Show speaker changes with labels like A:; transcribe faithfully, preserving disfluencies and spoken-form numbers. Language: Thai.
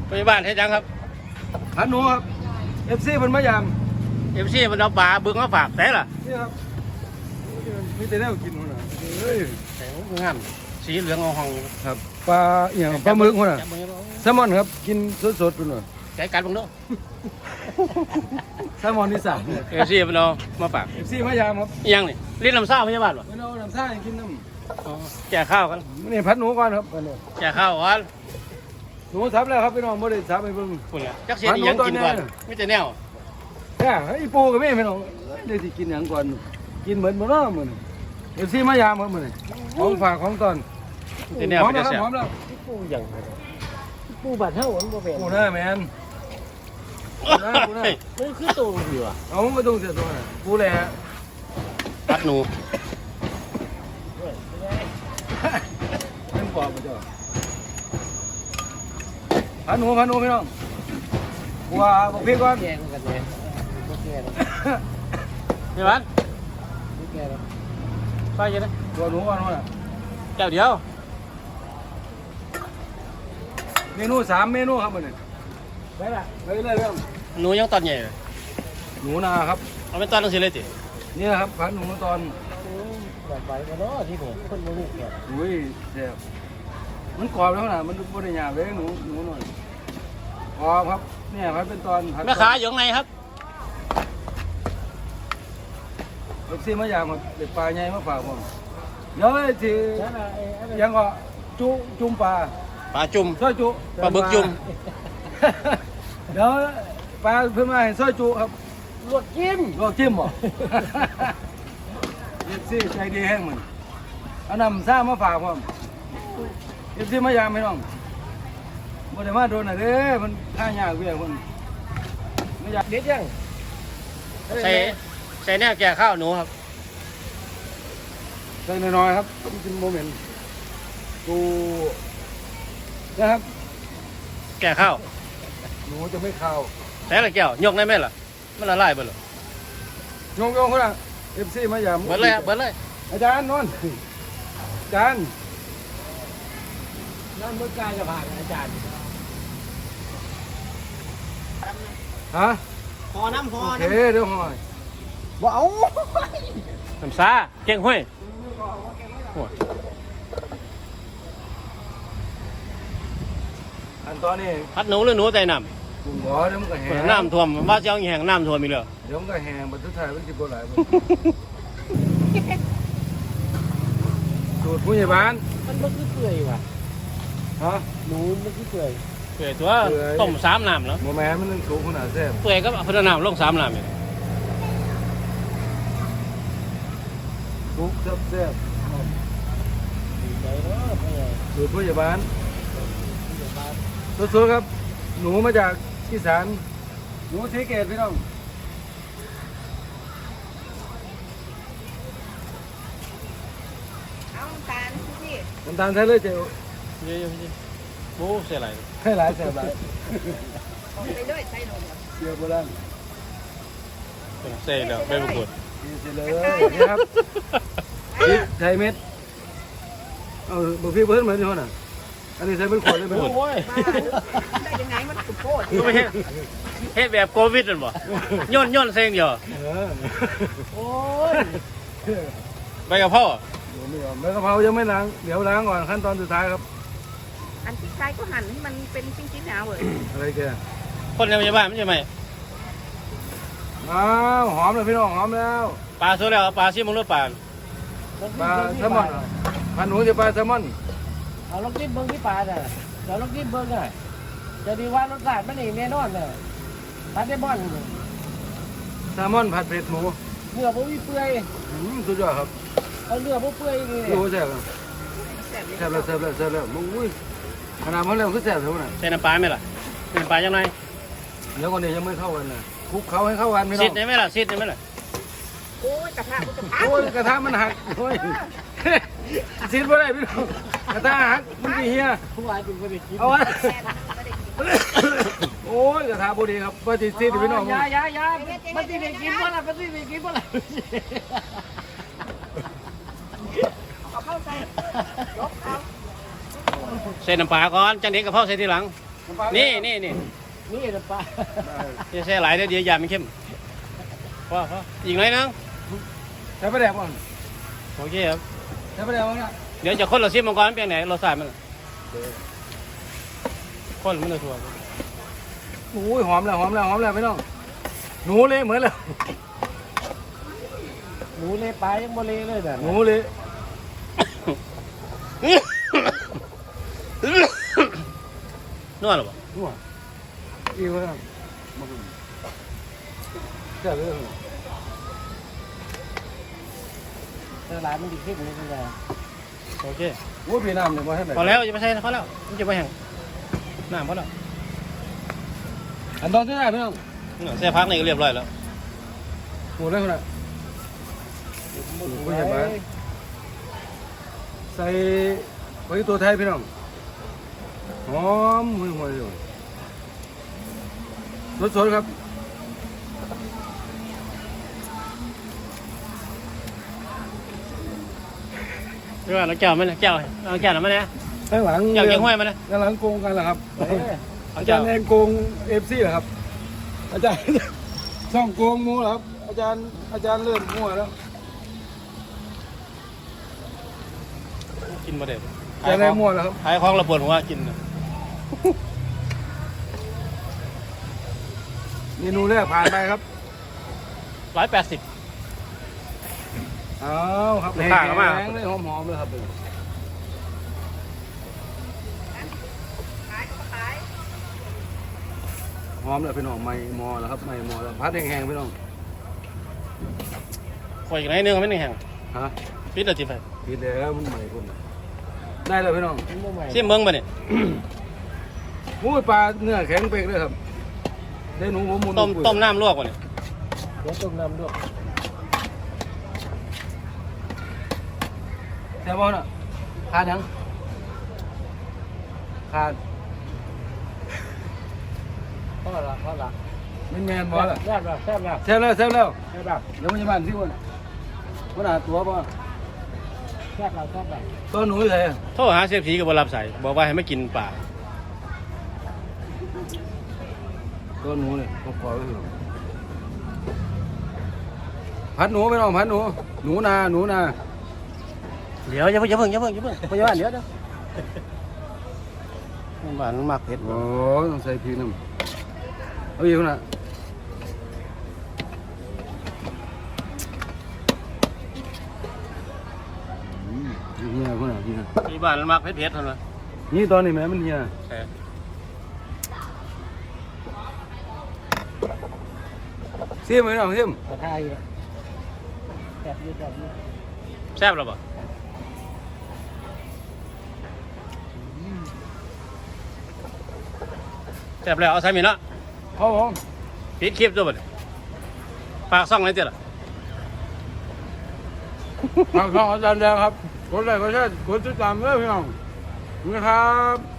A: พยาบาลเฮ็ดยังครับ
B: หันหนูครับเอฟซีมันมายาม
A: เอฟซีมันเอาปลาบึงมาฝากแต่ล่ะ
B: นี่ครับมีแต่แนวกินหัวหน้าเฮ้ย
A: แต่งามสีเหลืองเอาห้อง
B: ครับปลาเอี่ยงปลาหมึกหัวหน้า
A: จับมือ
B: แซลมอนครับกินสดๆดูหน่อย
A: ใจกัดบังเนาะ
B: แซลมอนที่สาม
A: เอฟซีมันเอามาฝาก
B: เอฟซีมายามครับ
A: อิหยังนี่ลิ้นลำซ่าพยาบาลวะ
B: ไม่เอาน้ำซ่าให้กินน้
A: อ๋อแจกข้าวกัน
B: ำนี่พัดหนูก่อนครับอันนี้
A: แจกข้าวก่อน
B: หนูทับแล้วครับพี่น้องไม่ได้ทับไปเพิ่ง
A: คุณล่ะจักเสียอีหยังกินก่อนไม่แต่แนว
B: แค่ไอ้ปูกับแม่พี่น้องเดี๋ยวสิกินอย่างก่อนกินเหมือนบ่เนาะมื้อนี้เอฟซีมายามครับมื้อนี้ของฝากของตอน
A: ไม่แต่แนว
B: พร้อม
A: ไม่
B: แล้ว
A: แต่
B: ครับ
A: แซ่บ
B: พร้อมแล้ว
C: ปูอย่างปูบาดเท่าอันบ่เป็น
B: ปูหน้าแมนปูหน้าปูหน้า
C: มันคือตัวอยู่อ่ะ
B: เอาไม่ต้องเสียตัวนะปูแหละ
A: ปัดหนู
B: เป็นปอบมาเจ้าพันหนูพันหนูพี่น้องบัวบอกพี่ก่อน
C: แกงกันเลยบ่แกง
A: พี่บ้าน
C: บ่แกง
A: ไปยังไง
B: บัวหนูก่อนว่า
A: แก้วเดียว
B: เมนูสามเมนูครับมันนี่
C: ไปละ
B: ไปเลยเรื่อง
A: หนูยังตอนใหญ่เลย
B: หนูนาครับ
A: เอาเป็นตอนตั้งสิเลยติ
B: นี่ครับพันหนูตอน
C: แบบไปกันเนาะที่นี่คนบ่รู้แก่
B: อุ้ยแซ่บมันกรอบแล้วนะมันบริยาเลยหนูหนูหน่อยกรอบครับเนี่ยพันเป็นตอนพัน
A: แม่ค้าอยู่ข้างในครับ
B: เอฟซีมายามครับเด็ดปลาใหญ่มาฝากผมเดี๋ยวเลยที
C: นั่นน่ะไอ้อันนั้น
B: ยังก็จุจุ่มปลา
A: ปลาจุ่ม
B: ซอยจุ
A: ปลาบึกจุ่ม
B: เดี๋ยวปลาเพิ่มมาให้ซอยจุครับ
C: ลวกจิ้ม
B: ลวกจิ้มบ่เอฟซีใจดีแห้งเหมือนเอานำซ่ามาฝากผมเอฟซีมายามพี่น้องบ่ได้มาโดนน่ะเด้อมันท่ายากเวียคนไม่อยาก
C: เด็ดยัง
A: ใส่ใส่แนวแก่ข้าวหนูครับ
B: ใส่น้อยๆครับมันเป็นโมเมนต์กูนะครับ
A: แก่ข้าว
B: หนูจะไม่เข้าว
A: ใส่ละแก้วยกได้ไหมล่ะมันละลายเบิดหรอ
B: โยงโยงคนละเอฟซีมายาม
A: เบิดเลยเบิดเลย
B: อาจารย์นนท์อาจารย์
C: นั่นมื้อกายจะผ่านอาจารย์
B: ฮะ
C: พอน้ำพอ
B: โอเค
C: น้ำ
B: เดี๋ยวหอย
C: บ่เอา
A: น้ำซาเก่งห้วยโอ้ย
B: อันตอนนี้
A: พัดหนูหรือหนูใส่น้
B: กลุ่มบ่อเดี๋ยวมันก็แห้ง
A: ำน้ำท่วมว่าจะเอาอีแห้งน้ำท่วมอีกเลย
B: เดี๋ยวมันก็แห้งบัดสุดท้ายมันสิบ่หลายบ่สูตรผู้ใหญ่บ้าน
C: มันบ่คือเปื่อยว่ะ
B: ฮะ
C: หนูมันคือเปื่อย
A: เปื่อยตัวต้มสามน้ำแล้ว
B: บ่แม่นมันนึงสูงขนาดแซ่บ
A: เปื่อยก็เอาพัฒน้ำลงสามน้ำอีก
B: สุกแซ่บ
C: ดีใจเนาะพ่อใหญ่
B: ๆสูตรผู้ใหญ่บ้าน
C: เดี๋ยวมา
B: สดๆครับ หนูมาจากอีสานหนูศรีเกตพี่น้อง
D: เอาน้ำตาลพี่
B: น้ำตาลใส่เลยเจ้า
A: เยอะๆโอ้เสียหลาย
B: ให้หลายแซ่บหลาย
D: เอาไปด้วยใส่นม
B: เสียโบราณ
A: เสียแล้วไม่ประกวด
B: นี่สิเลยนี่ครับพริกไทยเม็ดเอาบ่พี่เพิ่นเหมือนอยู่น่ะอันนี้ใส่เป็นขวดเลยไหม
A: โอ้ย
D: มาได้ยังไงมันสุดโคตร
A: ก็ไม่เฮ็ดเฮ็ดแบบโควิดนั่นบ่ย่นย่นเซ็งอยู่
B: เออ
C: โอ้ย
A: ไปกับพ่อ
B: เดี๋ยวไม่ยอมแล้วกะเพรายังไม่ล้างเดี๋ยวล้างก่อนขั้นตอนสุดท้ายครับ
D: อันที่ใช้ก็หั่นให้มันเป็นชิ้นๆหนาเว้ย
B: อะไรแก
A: คนในพยาบาลไม่ใช่ไหม
B: อ้าวหอมเลยพี่น้องหอมแล้ว
A: ปลาสุดแล้วปลาซิมงหรือปลา
B: ปลาแซลมอนพันหนูจะปลาแซลมอน
C: เอาลองกินเบิ่งที่ปลาน่ะเดี๋ยวลองกินเบิ่งน่ะจะดีว่ารสชาติมันนี่แน่นอนน่ะปลาได้บ่อน
B: แซลมอนผัดเผ็ดหมู
C: เนื้อบ่มีเปื่อย
B: อืมสุดยอดครับ
C: เอาเนื้อบ่เปื่อยนี่
B: โอ้แซ่บครับ
D: แซ่บเลย
B: แซ่บแล้วแซ่บแล้วแซ่บแล้วอุ้ยขนาดมันแล้วคือแซ่บเท่านั้น
A: ใส่น้ำปลาไหมล่ะใส่น้ำปลายังไง
B: เดี๋ยวก่อนนี้ยังไม่เข้ากันนะคลุกเขาให้เข้ากันพี่น้
A: ซิ
B: อ
A: ด
B: ง
A: ได้ไหมล่ะซิดได้ไหมล่ะ
D: โอ้ยกระทะมันจะพัง
B: โอ้ยกระทะมันหักโอ้ยซีดบ่ได้พี่น้องกระทะหักมันสิเฮีย
C: ผู้วายเป็นบ่ได้กิน
B: เอาวะ
D: แซ่บไม่ได้กิน
B: โอ้ยกระทะบ่ดีครับว่าสิซีดพี่น้อง
C: ยายายามันสิได้กินบ่ล่ะมันสิได้กินบ่ล่ะ
D: เอาเข้าใส่ลบเอา
A: ใส่น้ำปลาก่อนจังเด็กกับพ่อใส่ทีหลังนี่นี่นี่
C: นี่น้ำปลา
A: จะใส่หลายเดี๋ยวเดี๋ยวยามันเข้มพอพออีกหน่อยนึง
B: ใช้ประแดกก่อน
A: โอเคครับ
B: ใช้ประแดกก่อนนะ
A: เดี๋ยวจะคนเราซิมมังกรมันเป็นไหนเราใส่มันคนมันจะถั่ว
B: โอ้ยหอมแล้วหอมแล้วหอมแล้วพี่น้องหนูเลยเหมือนเลย
C: หมูเลยปลายังบ่เลยเลยแบบ
B: หนูเลย
A: นวดหรอปะ
B: นัวอีกแล้วมาดูเจ้าเลย
C: เจอร้านมันดีขึ้นนี่เป็นไง
A: โอเค
B: โอ้ยพี่น้ำเนี่ยมาให้ไหน
A: พอแล้วจะไม่ใช่พอแล้วมันจะไปแห้งน้ำพอแล้ว
B: อันตอนที่ไหนพี่น้อง
A: ใส่พักนี่ก็เรียบร้อยแล้ว
B: หมูเลยคนน่ะ
C: ไม่ใช่ไหม
B: ใส่ไว้ตัวไทยพี่น้องหอมห่วยห่วยเลยสดๆครับ
A: เรื่องน้ำแก้วมันนะแก้วน้ำแก้วน้ำมันนะ
B: ข้างหลัง
A: แก้วเกียงห้วยมันนะ
B: ข้างหลังโกงกันเหรอครับ
A: เอา
B: อา
A: แก้
B: จาว รย์แองโกงเอฟซีเหรอครับ อาจารย์ ช่องโกงมูเหรอครับ อาจารย์อาจารย์เลื่อนมั่วแล้ว
A: กินมาเด็ด
B: อาจารย์เลื่อนมั่วแล้วครับ
A: ขายของระเบิดหัวกิน
B: เมนูแรกผ่านไปครับ
A: ร้อยแปดสิบ
B: เอาครับ
A: ลูกค้าเข้ามา
B: แข็งเลยหอมๆเลยครับ
D: ขายก็ขาย
B: หอมเลยพี่น้องไม่มอแล้วครับไม่มอแล้วพัดแห้งๆพี่น้อง
A: คอยอีกหน่อยนึงไม่หนึ่งแห้ง
B: ฮะ
A: ปิดแล้วจิไป
B: ผิดแล้วมันใหม่คนได้เลยพี่น้อง
C: มันบ่ใหม่
A: ซิมเบิ้งไปเนี่ย
B: โอ้ยปลาเนื้อแข็งเป๊กเลยครับได้หนูหัวมุน
A: ต้มต้มน้ำลวกไปเนี่ย
C: เดี๋ยวต้มน้ำด้วย
B: แซ่บบ่น่ะขาดยังขาด
C: พ่อละพ่อละ
B: มันแมนบ่ล่ะ
C: แซ่บแล้วแซ่บแล้ว
B: แซ่บแล้วแซ่บแล้ว
C: แซ่บแล้ว
B: เดี๋ยวมันจะบ้านที่วันวันหาตัวบ่
C: แซ่บแล้วแซ่บแล้ว
B: ตัวหนูอยู่ไหนอะ
A: โทรหาเสียผีกับบรับสายบอกว่าให้ไม่กินปลา
B: ตัวหนูเนี่ยผมขอไว้เถอะพัดหนูไม่ต้องพัดหนูหนูนาหนูนา
A: เดี๋ยวอย่าเพิ่งอย่าเพิ่งอย่าเพิ่งอย่าเพิ่งพยาบาลเดี๋ยวเดี๋ยวบ้านมันมักเผ็ด
B: โอ้ต้องใส่พริกน้ำเอาอีกคนน่ะอืมเฮียคนน่ะเฮีย
A: ที่บ้านมันมักเผ็ดเผ็ดเท่านั้น
B: นี่ตอนนี้แม่มันเฮีย
A: ใช่
B: เสียมไหมน้องเสียม
C: กระทายอยู่แซ่บอยู่แซ่บอยู่
A: แซ่บหรือเปล่าแซ่บแล้วเอาใส่หมี่เนาะ
B: ครับผม
A: ปิดคลิปตัวบัดปากซ่องไหนเจ้าล่ะ
B: ทางช่องอาจารย์แดงครับกดไลค์กดแชร์กดติดตามด้วยพี่น้องนะครับ